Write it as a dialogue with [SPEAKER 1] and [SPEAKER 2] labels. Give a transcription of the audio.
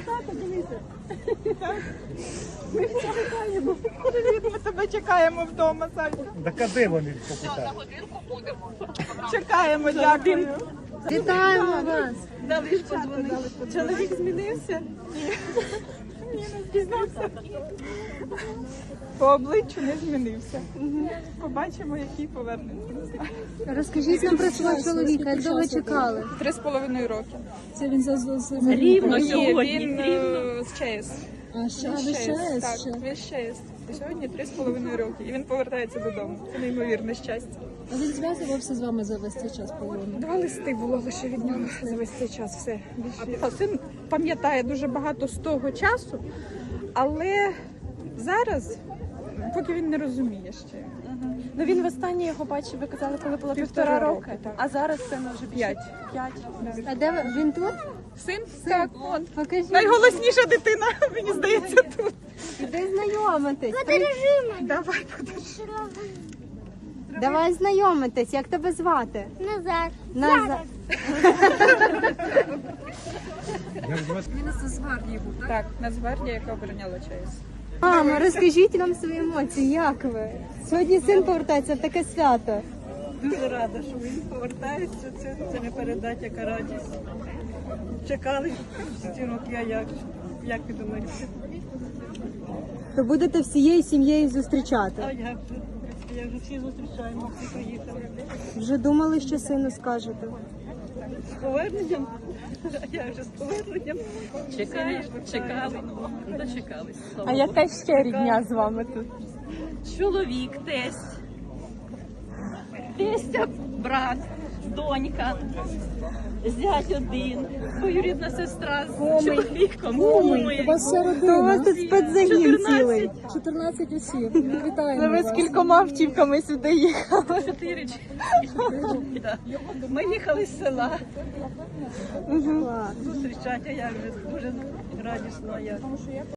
[SPEAKER 1] тато, дивися.
[SPEAKER 2] Ми чекаємо. Привіт, ми тебе чекаємо вдома, Салька.
[SPEAKER 3] Так а де вони покупають?
[SPEAKER 2] Чекаємо, дякую.
[SPEAKER 4] Вітаємо вас!
[SPEAKER 2] Дали ж подзвонити. Чоловік змінився? Ні, не змінився. По обличчю не змінився. Побачимо, який повернеться. Не знаю.
[SPEAKER 4] Розкажіть нам про свого чоловіка, як довго чекали?
[SPEAKER 2] 3,5 роки.
[SPEAKER 1] Це він за
[SPEAKER 2] Рівно сьогодні. Він з ЧАЕС.
[SPEAKER 1] А ще ви ще?
[SPEAKER 2] Так, він з ЧАЕС. І сьогодні 3,5 роки. І він повертається додому. Це неймовірне щастя.
[SPEAKER 1] А він зв'язувався з вами за весь цей час полону?
[SPEAKER 2] 2 листи було лише від нього за весь цей час. Все. А син пам'ятає дуже багато з того часу, але зараз, поки він не розуміє ще.
[SPEAKER 5] Ну він востаннє його бачив, ви казали, коли було
[SPEAKER 2] 1,5
[SPEAKER 5] роки,
[SPEAKER 2] роки, так.
[SPEAKER 5] а зараз це вже
[SPEAKER 2] 5.
[SPEAKER 5] 5.
[SPEAKER 4] А де він тут?
[SPEAKER 2] Син? Так, он.
[SPEAKER 4] Покажіть.
[SPEAKER 2] Найголосніша дитина, мені здається, тут.
[SPEAKER 4] Іди знайомитись.
[SPEAKER 2] Давай, подержи.
[SPEAKER 4] Давай знайомитись. Як тебе звати?
[SPEAKER 6] Назад.
[SPEAKER 4] Назар.
[SPEAKER 2] Так, Нацгвардія, яка обороняла ЧАЕС.
[SPEAKER 4] Мама, розкажіть нам свої емоції, як ви? Сьогодні син повертається в таке свято.
[SPEAKER 7] Дуже рада, що він повертається. Це не передать, яка радість. Чекали ці роки, а як ви думаєте?
[SPEAKER 4] То будете всією сім'єю зустрічати.
[SPEAKER 7] А як же всі зустрічаємо, всі приїхали.
[SPEAKER 4] Вже думали, що сину скажете?
[SPEAKER 7] З поверненням? Я вже з поверненням.
[SPEAKER 8] Чекали, дочекались.
[SPEAKER 5] А яка ще рідня з вами тут?
[SPEAKER 8] Чоловік, тесть, тестя, брат, донька, зять один, двоюрідна сестра з чоловіком, куми.
[SPEAKER 1] У вас вся
[SPEAKER 4] У вас
[SPEAKER 1] родина.
[SPEAKER 4] тут спецзагін цілий.
[SPEAKER 1] 14 осіб. Вітаємо
[SPEAKER 5] Ви з
[SPEAKER 1] вас.
[SPEAKER 5] кількома автівками сюди їхали.
[SPEAKER 8] 4 Да. Ми їхали з села
[SPEAKER 4] Клас.
[SPEAKER 7] Зустрічати, а як же дуже радісно.